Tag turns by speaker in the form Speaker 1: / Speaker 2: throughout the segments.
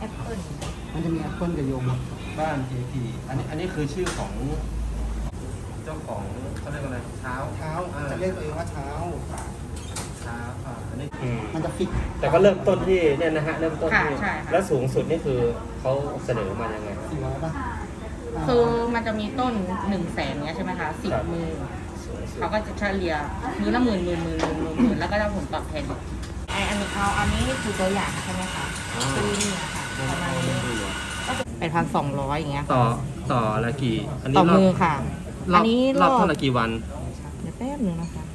Speaker 1: อปเปิ้ล
Speaker 2: มันจะมีแอปเปิ้ลกับโยม
Speaker 3: บ้านทีอันนี้คือชื่อของเจ้าของเขาเรียกอะไรเช้า
Speaker 2: เท้าจะเรียกตัวเองว่าเท้า
Speaker 3: เช้าอันนี้
Speaker 2: มันจะฟิก
Speaker 4: แต่ก็เริ่มต้นที่เนี่ยนะฮะเริ่มต้น
Speaker 1: ค่ะ
Speaker 4: ที่
Speaker 1: ใช่ค่ะ
Speaker 4: แล้วสูงสุดนี่คือเขาเสนอมายังไง
Speaker 2: 400ป่ะ
Speaker 1: คือมันจะมีต้น100,000เนี้ยใช่ไหมคะ10 มือ
Speaker 4: สูงสุด
Speaker 1: เขาก็จะเฉลี่ยมือละหมื่นแล้วก็ได้ผลตอบแทนอันนี้คือตัวอย่างใช่ไหมคะคือนี่ค่ะประมาณนี้ก็จะ8,200อย่างเงี้ย
Speaker 4: ต่อละกี่อันนี้
Speaker 1: ต่อมือค่ะ
Speaker 4: รอบ
Speaker 1: อันนี้
Speaker 4: รอบเท่าละกี่วัน
Speaker 1: เดี๋ยวแป๊บนึงนะคะ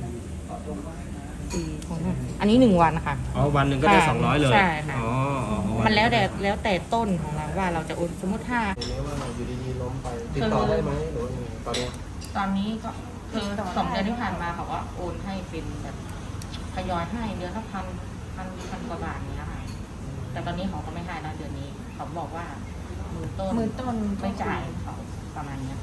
Speaker 1: อันนี้1 วันค่ะ
Speaker 4: อ๋อวันหนึ่งก็ได้
Speaker 1: ค่ะ
Speaker 4: 200เลย
Speaker 1: ใช่ค่ะ
Speaker 4: อ๋อวัน
Speaker 1: มันแล้วแต่ต้นของเราว่าเราจะโอนสมมติถ้า
Speaker 2: ทีนี้ว่าอยู่ดีๆล้มไปติดต่อได้ไหมหรือว่ายังไงตอนนี้
Speaker 1: ตอนนี้ก็คือ2 เดือนที่ผ่านมาเขาว่าโอนให้เป็นแบบทยอยให้เดือนละพันกว่าบาทเนี้ยค่ะแต่ตอนนี้เขาก็ไม่ให้แล้วเดือนนี้เขาบอกว่ามือต้นไม่จ่ายเขาประมาณเนี้ย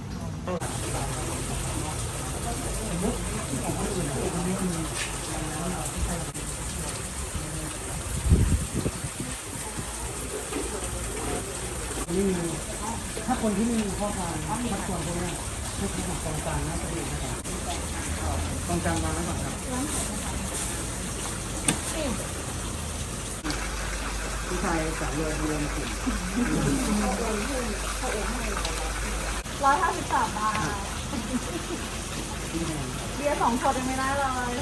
Speaker 2: ไม่มีถ้าคนที่ไม่มีข้อความชักชวนพวกนี้ให้ทำกองกลางน่าจะดีนะครับกองกลางวางไว้ก่อนครับผู้ชายจากเรือกลุ่ม
Speaker 5: 153 บาทเบียร์2 ขวดยังไม่ได้เลย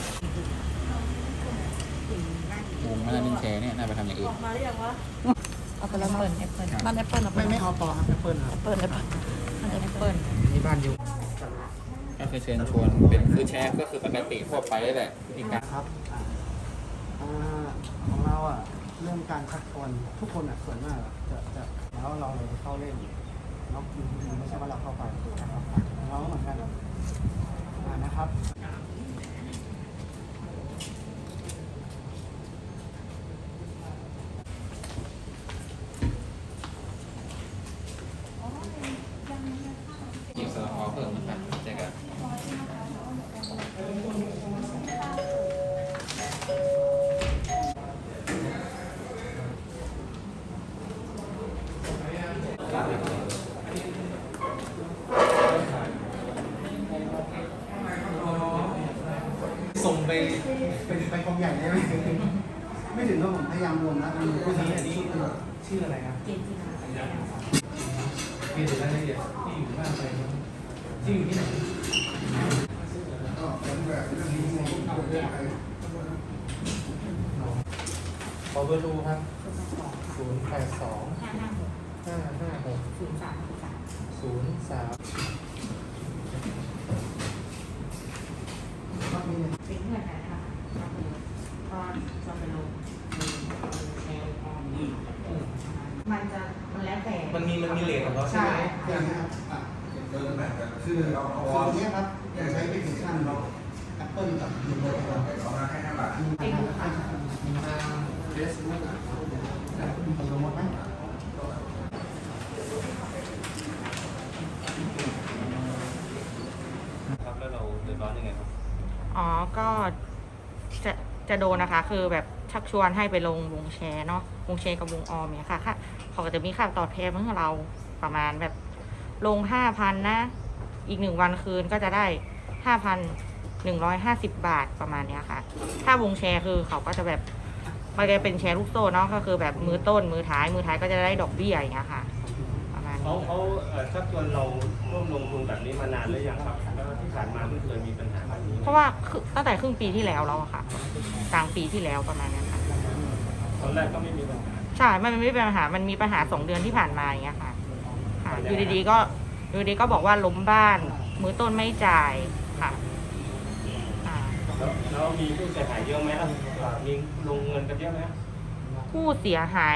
Speaker 6: วงมา1 แชร์เนี่ยน่าไปทำอย่างอื่น
Speaker 5: มาหรือยังวะ
Speaker 1: เอาไปแล้วแอปเปิล
Speaker 5: บ้านแอปเปิล
Speaker 2: ไม่เอาต่อครับแอปเปิลครับ
Speaker 1: แอปเปิล
Speaker 2: นี่บ้านอยู่
Speaker 6: ก็คือเชิญชวนเป็นคือแชร์ก็คือปกติทั่วไปแหละวิธีการ
Speaker 2: ครับของเราเรื่องการชักชวนทุกคนส่วนมากจะแล้วเราเลยเข้าเล่นเนาะไม่ใช่ว่าเราเข้าไปนะครับเราก็เหมือนกันนะครับ
Speaker 6: ยิงสลับออเพิ่มนะครับเจอกัน
Speaker 3: ส่งไป
Speaker 2: ไปกองใหญ่ได้ไหมไม่ถึงก็ผมพยายามรวมนะมีผู้ชาย
Speaker 3: อันนี้ชื่ออะไรครับ
Speaker 1: เจนจินา
Speaker 3: มีถึงรายละเอียดที่อยู่บ้านไปครับที่อยู่ที่ไหน ขอเบอร์โทรครับ 082 556 03
Speaker 1: เป็นเงื่อนไขนะคะก็จะไปลงแชร์ออนมันแล้วแต่
Speaker 3: มันมีเลทของเราใช่ไหม
Speaker 2: อย่างนี้ครับคือส่วนนี้ครับจะใช้แอปพลิเคชันแอปเปิลกับยูโร
Speaker 1: จริงค่ะ
Speaker 2: เฟซบุ๊กมีโปรโมทไหม
Speaker 4: ครับแล้วเราเดือดร้อนยังไงครับ
Speaker 1: อ๋อ ก็จะโดนนะคะ คือแบบชักชวนให้ไปลงวงแชร์เนาะ วงแชร์กับวงออมเนี่ยค่ะ เขาก็จะมีค่าตอบแทนให้เราประมาณแบบลง 5,000 นะ อีก1 วันคืนก็จะได้ 5,150 บาทประมาณเนี้ยค่ะ ถ้าวงแชร์คือเขาก็จะแบบมันจะเป็นแชร์ลูกโซ่เนาะ ก็คือแบบมือต้นมือท้ายก็จะได้ดอกเบี้ยอย่างเงี้ยค่ะ ประมาณ
Speaker 4: เขา
Speaker 1: นี้
Speaker 4: ชักชวนเราร่วมลงทุนแบบนี้มานานหรือยังครับแล้วที่ผ่านมาไม่เคยมีปัญหาแบบนี้
Speaker 1: เพราะว่าตั้งแต่ครึ่งปีที่แล้วอะค่ะ กลางปีที่แล้วประมาณนั้นค่ะ
Speaker 4: ตอนแรกก็ไม่มีปัญหา
Speaker 1: ใช่ มันไม่มีปัญหา มันมีปัญหา2 เดือนที่ผ่านมาอย่างเงี้ยค่ะ ค่ะ อยู่ดีๆก็บอกว่าล้มบ้าน มือต้นไม่จ่ายค่ะอ่า
Speaker 4: แล้วมีผู้เสียหายเยอะไหมครับมีลงเงินกันเยอะไหม
Speaker 1: ผู้เสียหาย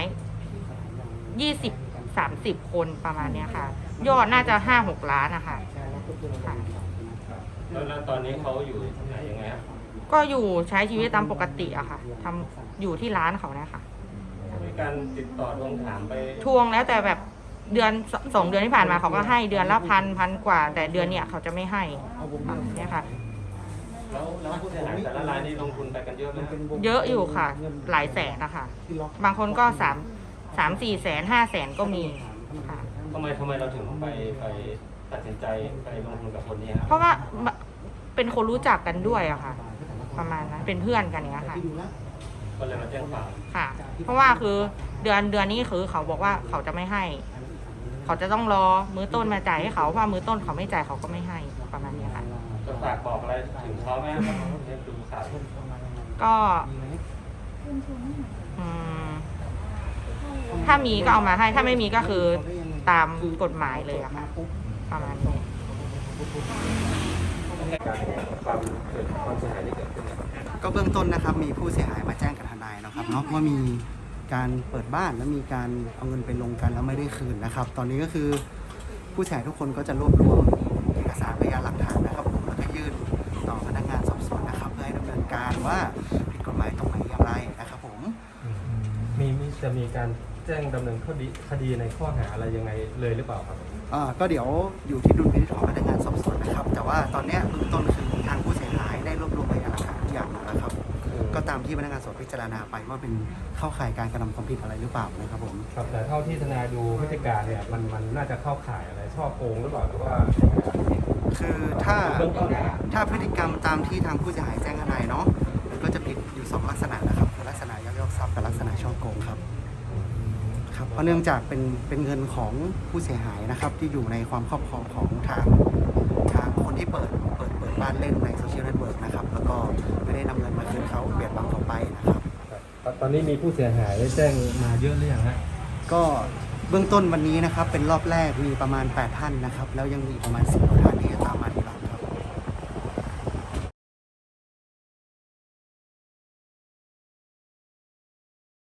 Speaker 1: 20-30 คนประมาณเนี้ยค่ะ ยอดน่าจะ 5-6 ล้านนะคะค่ะ
Speaker 4: แล้วตอนนี้เขาอยู่ที่ไหนยังไงครับ
Speaker 1: ก็อยู่ใช้ชีวิตตามปกติอะค่ะอยู่ที่ร้านเขาเนี่ยค่ะ
Speaker 4: มีการติดต่อทวงถามไป
Speaker 1: ทวงแล้วแต่แบบเดือน2 เดือนที่ผ่านมาเขาก็ให้เดือนละพันกว่า แต่เดือนเนี้ยเขาจะไม่ให้เนี่ยค่ะ
Speaker 4: แล้วผู้เสียหายแต่ละรายนี่ลงทุนไปกันเยอะไหมครับ
Speaker 1: เยอะอยู่ค่ะ หลายแสนนะคะ บางคนก็ 3-4 แสน 5 แสนก็มีค่ะ
Speaker 4: ทำไมเราถึงไปตัดสินใจไปลงทุนกับคนนี้ครับ
Speaker 1: เพราะว่าเป็นคนรู้จักกันด้วยอะค่ะ ประมาณนั้นเป็นเพื่อนกันเนี้ยค่ะ
Speaker 4: ก็เลยมาแจ้งความ
Speaker 1: ค่ะ เพราะว่าคือเดือนนี้คือเขาบอกว่าเขาจะไม่ให้ เขาจะต้องรอมื้อต้นมาจ่ายให้เขาเพราะมื้อต้นเขาไม่จ่ายเขาก็ไม่ให้ประมาณเนี้ยค่ะ
Speaker 4: จะฝากบอกอะไรถึงเขาไหมครับดูข่าว
Speaker 1: ก็ถ้ามีก็เอามาให้ ถ้าไม่มีก็คือตามกฎหมายเลยอะค่ะ ประมาณนี้
Speaker 3: ความเสียหายที่เกิดขึ้นเนี่ย
Speaker 2: ก็เบื้องต้นนะครับมีผู้เสียหายมาแจ้งกับทนายนะครับเนาะว่ามีการเปิดบ้านแล้วมีการเอาเงินไปลงกันแล้วไม่ได้คืนนะครับ ตอนนี้ก็คือผู้เสียหายทุกคนก็จะรวบรวมเอกสารพยานหลักฐานนะครับผมแล้วก็ยื่นต่อพนักงานสอบสวนนะครับเพื่อให้ดำเนินการว่าผิดกฎหมายตรงไหนอย่างไรนะครับผม
Speaker 3: จะมีการแจ้งดำเนินคดีในข้อหาอะไรยังไงเลยหรือเปล่าครับ
Speaker 2: ก็เดี๋ยวอยู่ที่ดุลพินิจของพนักงานสอบสวนนะครับ แต่ว่าตอนเนี้ยเบื้องต้นคือทางผู้เสียหายได้รวบรวมพยานหลักฐานทุกอย่างแล้วนะครับ ก็ตามที่พนักงานสอบสวนพิจารณาไปว่าเป็นเข้าข่ายการกระทำความผิดอะไรหรือเปล่านะครับผม
Speaker 3: ครับแต่เท่าที่ทนายดูพฤติการเนี่ยมันน่าจะเข้าข่ายอะไรช่อโกงหรือเปล่าหรือว่า
Speaker 2: คือถ้าพฤติกรรมตามที่ทางผู้เสียหายแจ้งทนายเนาะมันก็จะผิดอยู่2ลักษณะนะครับคือลักษณะยักยอกทรัพย์กับลักษณะช่อโกงครับเพราะเนื่องจากเป็นเงินของผู้เสียหายนะครับ ที่อยู่ในความครอบครองของทางคนที่เปิดบ้านเล่นในโซเชียลเน็ตเวิร์กนะครับแล้วก็ไม่ได้นำเงินมาคืนเขาเบียดบังเขาไปนะครับ
Speaker 3: ตอนนี้มีผู้เสียหายแจ้งมาเยอะหรือยังฮะ
Speaker 2: ก็เบื้องต้นวันนี้นะครับเป็นรอบแรกมีประมาณ8ท่านนะครับแล้วยังมีประมาณ10กว่าท่านที่จะตามมาทีหลัง